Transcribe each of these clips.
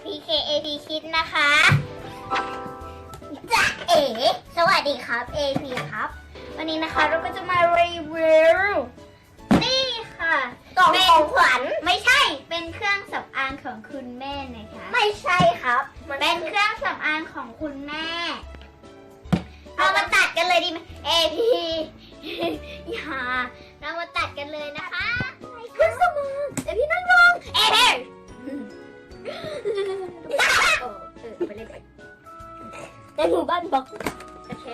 PKAP Kids นะคะจ๊ะเอ๋สวัสดีครับ AP ครับวันนี้นะคะเราก็จะมารีวิวนี่ค่ะกล่องของขวัญไม่ใช่เป็นเครื่องสำอางของคุณแม่นะคะไม่ใช่ครับเป็นเครื่องสำอางของคุณแม่เรามาตัดกันเลยดีไหม AP อย่าเรามาตัดกันเลยนะคะเครื่องสำอางเดี๋ยวพี่นั่งลง AP ไปเล่นไปในหมู่บ้านบอกโอเค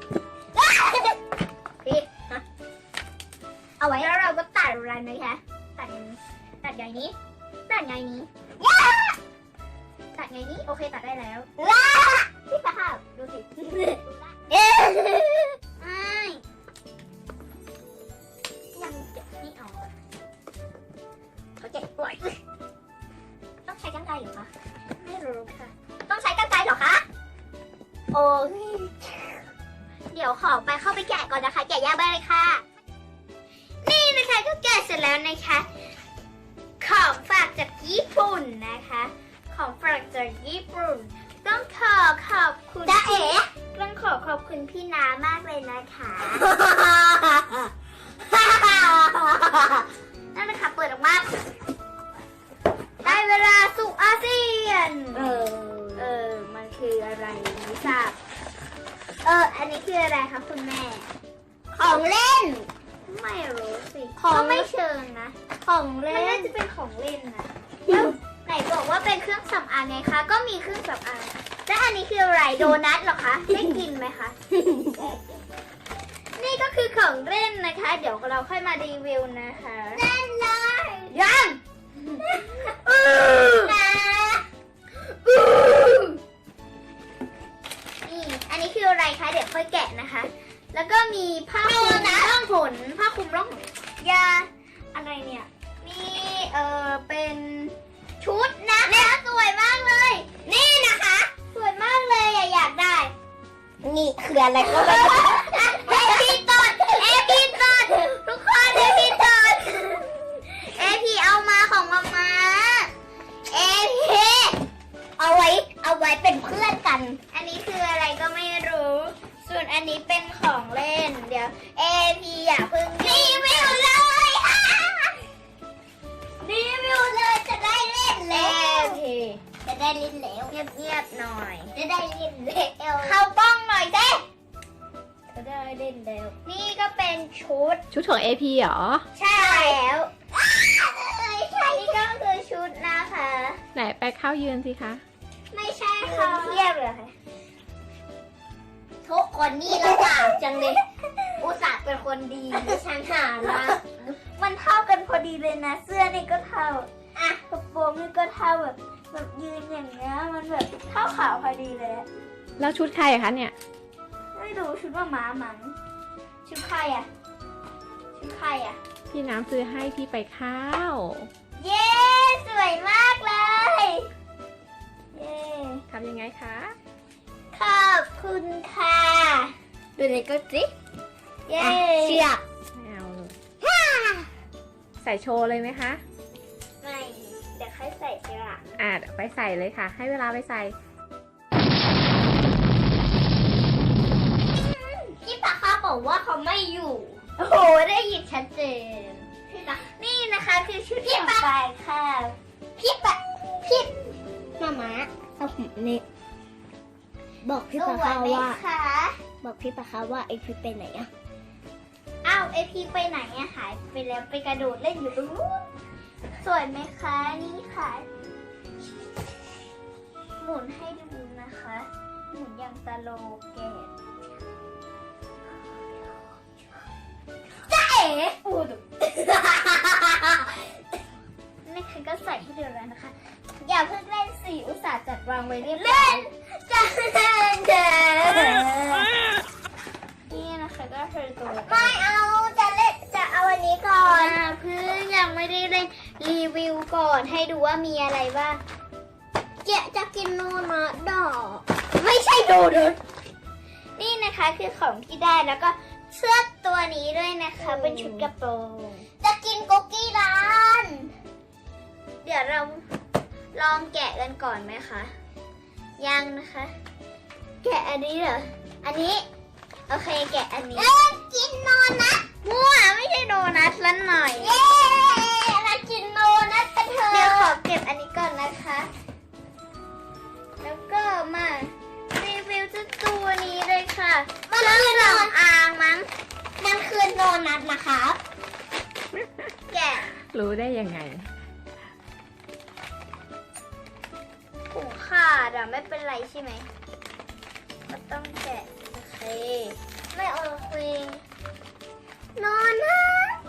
พี่เอาไว้แล้วเราก็ตัดอะไรนะคะตัดไงนี้ตัดไงนี้โอเคตัดได้แล้วพี่สภาพดูสิยังเก็บนี่ออกเขาเจ็บปวดต้องใช้กรรไกรเหรอคะไม่รู้ค่ะต้องใช้กรรไกรเหรอคะโอ้ยเดี๋ยวขอไปเข้าไปแกะก่อนนะคะแกะยากไปเลยค่ะนี่นะคะก็แกะเสร็จแล้วนะคะของฝากจากญี่ปุ่นนะคะของฝากจากญี่ปุ่นต้องขอบคุณจ๊ะเอ๋ต้องขอบคุณพี่น้ามากเลยนะคะนั่นนะคะเปิดออกมาได้เวลาสู่อาเซียนมันคืออะไรไม่ทราบอันนี้คืออะไรคะคุณแม่ของเล่นไม่รู้สิก็ไม่เชิงนะของเล่นมันน่าจะเป็นของเล่นนะแล้วไหนบอกว่าเป็นเครื่องสำอางไงคะก็มีเครื่องสำอางและอันนี้คืออะไรโดนัทเหรอคะได้กินไหมคะ นี่ก็คือของเล่นนะคะเดี๋ยวเราค่อยมารีวิวนะคะเล่นเลยยังนี่อันนี้คืออะไรคะเดี๋ยวค่อยแกะนะคะแล้วก็มีผ้าคลุมร่องหนผ้าคลุมร่องหนยาอะไรเนี่ยมีเป็นชุดนะคะสวยมากเลยนี่นะคะสวยมากเลยอยากได้นี่คืออะไรก็ไม่รู้เอพีตดทุกคนเอพีตดเอพีเอามาของมาม่าเอพีเอาไว้เป็นเพื่อนกันอันนี้คืออะไรก็ไม่รู้ส่วนอันนี้เป็นของเล่นเดี๋ยวเอพีอย่าเพิ่งรีวิวเลยรีวิวเลยจะได้เล่นแล้วจะได้เล่นแล้วเงียบหน่อยจะได้เล่นแล้วเข้าป้องหน่อยสิจะได้เล่นแล้วนี่ก็เป็นชุดของ AP เหรอใช่แล้วนี่ก็คือชุดนะคะไหนไปเข้ายืนสิคะไม่ใช่ค่ะเทียบเลยค่ะทุกคนนี่ละบาปจังเลยอุตส่าห์เป็นคนดีฉันหาละมันเท่ากันพอดีเลยนะเสื้อนี่ก็เท่ากระโปรงนี่ก็เท่าแบบยืนอย่างเงี้ยมันแบบเท่าขาวพอดีเลยแล้วชุดใครอะคะเนี่ยไม่รู้ชุดว่าม้ามันชุดใครอะพี่น้ำซื้อให้ที่ไปข้าวเย้สวยมากเลยเย้ทำยังไงคะขอบคุณค่ะดูเลยก็สิเย้เชือกไม่เอาเลยใส่โชว์เลยไหมคะไม่เดี๋ยวค่อยใส่ทีหลังเดี๋ยวไปใส่เลยค่ะ ให้เวลาไปใส่พี่ปากข้าบอกว่าเขาไม่อยู่โอ้โหได้ยินชัดเจนนี่นะคะคือชุดพี่ปากค่ะพี่มาเอาผมนี่บอกพี่ปะคะว่าไอพีไปไหนอะอ้าวไอพีไปไหนอะหายไปแล้วไปกระโดดเล่นอยู่ตรงนู้นสวยไหมคะนี่ค่ะหมุนให้ดูนะคะหมุนอย่างสโลแกนจ๊ะเอ๋ปูดนี่คือก็ใส่ให้ดูแล้วนะคะอย่าเพิ่งเล่นสิอุตส่าห์จัดวางไว้เรียบร้อยจะเล่นเด้นี่นะคะก็คือตัวไม่เอาจะเอาอันนี้ก่อนเพิ่งยังไม่ได้เล่นรีวิวก่อนให้ดูว่ามีอะไรบ้างจะกินโนนะดอกไม่ใช่โดนัทนี่นะคะคือของที่ได้แล้วก็เสื้อตัวนี้ด้วยนะคะเป็นชุดกระโปรงจะกินคุกกี้ร้านเดี๋ยวเราลองแกะกันก่อนไหมคะ ยังนะคะ แกะอันนี้เหรอ อันนี้ โอเคแกะอันนี้กินโดนัทมั่วไม่ใช่โดนัทละหน่อยเย้เรากินโดนัทกันเถอะเดี๋ยวขอเก็บอันนี้ก่อนนะคะ แล้วก็มารีวิวเจ้าตัวนี้เลยค่ะมันคือหนอนอ่างมั้งมันคือโดนัทนะคะแกะรู้ได้ยังไงถุงขาดอะไม่เป็นไรใช่ไหมก็ต้องแกะโอเคไม่โอเคนอนนะ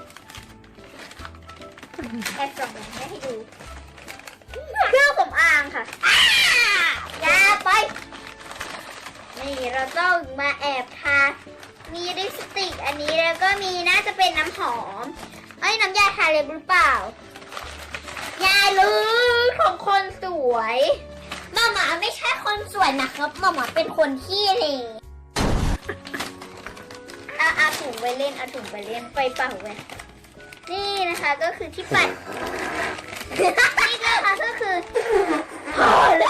แอบส่องให้ดูเครื่องสำอางค่ะอย่าไปนี่เราต้องมาแอบทามีลิปสติกอันนี้แล้วก็มีน่าจะเป็นน้ำหอมน้ำยาทาเล็บหรือเปล่ายาลือของคนสวยมาม่าไม่ใช่คนสวยนะครับมาม่าเป็นคนขี้เหร่เอาถุงไปเล่นเอาถุงไปเล่นไปเป่าไปนี่นะคะก็คือที่ปัด นี่นะคะก็คือพอแล้ว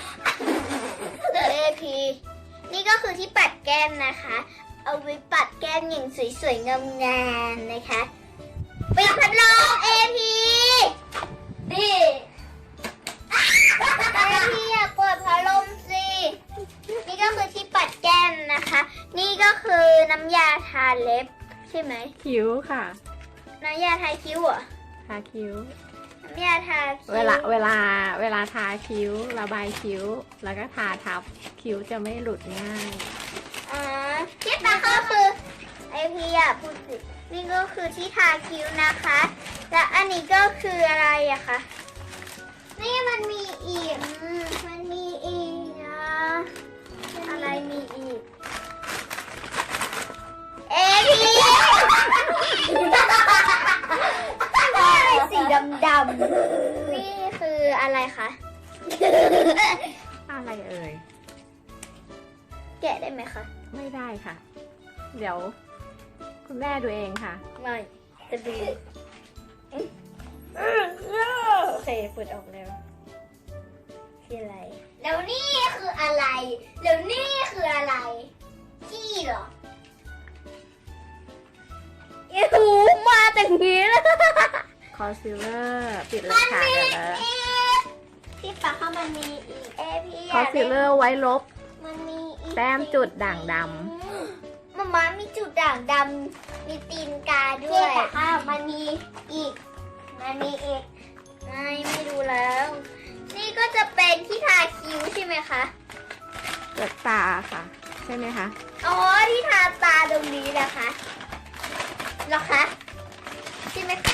AP นี่ก็คือที่ปัดแก้มนะคะ เอาไว้ปัดแก้มอย่างสวยๆงามๆนะคะปิดพัดลม AP นี่AP อย่าเปิดพัดลมสินี่ก็คือที่ปัดแก้มนะคะ นี่ก็คือน้ำยาทาเล็บใช่ไหมคิ้วค่ะน้ำยาทาคิ้วเหรอทาคิ้วน้ำยาทาคิ้วเวลาทาคิ้ว ระบายคิ้ว แล้วก็ทาทับคิ้วจะไม่หลุดง่ายที่ตาก็คือไอพีอ่ะพูดสินี่ก็คือที่ทาคิ้วนะคะ และอันนี้ก็คืออะไรอะคะนี่มันมีอีกมันมีอีกนะอะไรมีอีกเอพีอะไรสีดำๆนี่คืออะไรคะอะไรเอ่ยแกะได้ไหมคะไม่ได้ค่ะ เดี๋ยว คุณแม่ดูเองค่ะไม่จะดูโอเคเปิดออกแล้วคืออะไรแล้วนี่คืออะไรแล้วนี่คืออะไรขี้เหรอไอ้หูมาแต่งนี้แล้วคอนซีลเลอร์ปิดเลยค่ะเดี๋ยวนะที่ปากเขามันมีอีกเอพีคอนซีลเลอร์ไว้ลบมันมีอีกแต้มจุดด่างดมาม่ามีจุดด่างดำมีตีนกาด้วยค่ะมันมีอีกไม่ดูแล้ว นี่ก็จะเป็นที่ทาคิ้วใช่ไหมคะำเปิดตาค่ะ ใช่ไหมคะอ๋อที่ทาตาตรงนี้นะคะเหรอคะใช่ไหมคะ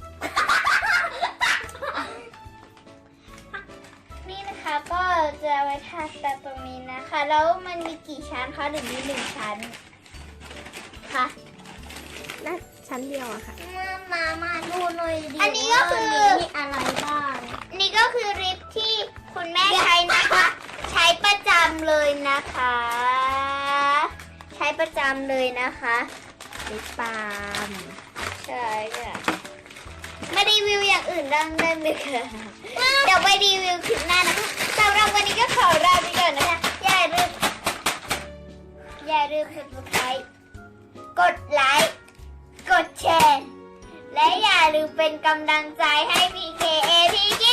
นี่นะคะก็จะไว้ทาตาตรงนี้นะคะ แล้วมันมีกี่ชั้นคะหรือมี1 ชั้นคะและชั้นเดียวอะค่ะมาดูหน่อยดิอันนี้ก็คือมีอะไรบ้างนี่ก็คือลิปที่คุณแม่ใช้นะคะ ใช้ประจำเลยนะคะ ใช้ประจำเลยนะคะลิปบาล์มใช่ค่ะมารีวิวอย่างอื่นบ้างได้ไหมคะเดี๋ยวไปรีวิวคลิปหน้านะคะสำหรับวันนี้ก็ขอลาไปก่อนนะคะ อย่าลืม subscribe กดไลค์ กดแชร์ และอย่าลืมเป็นกำลังใจให้ PKAPK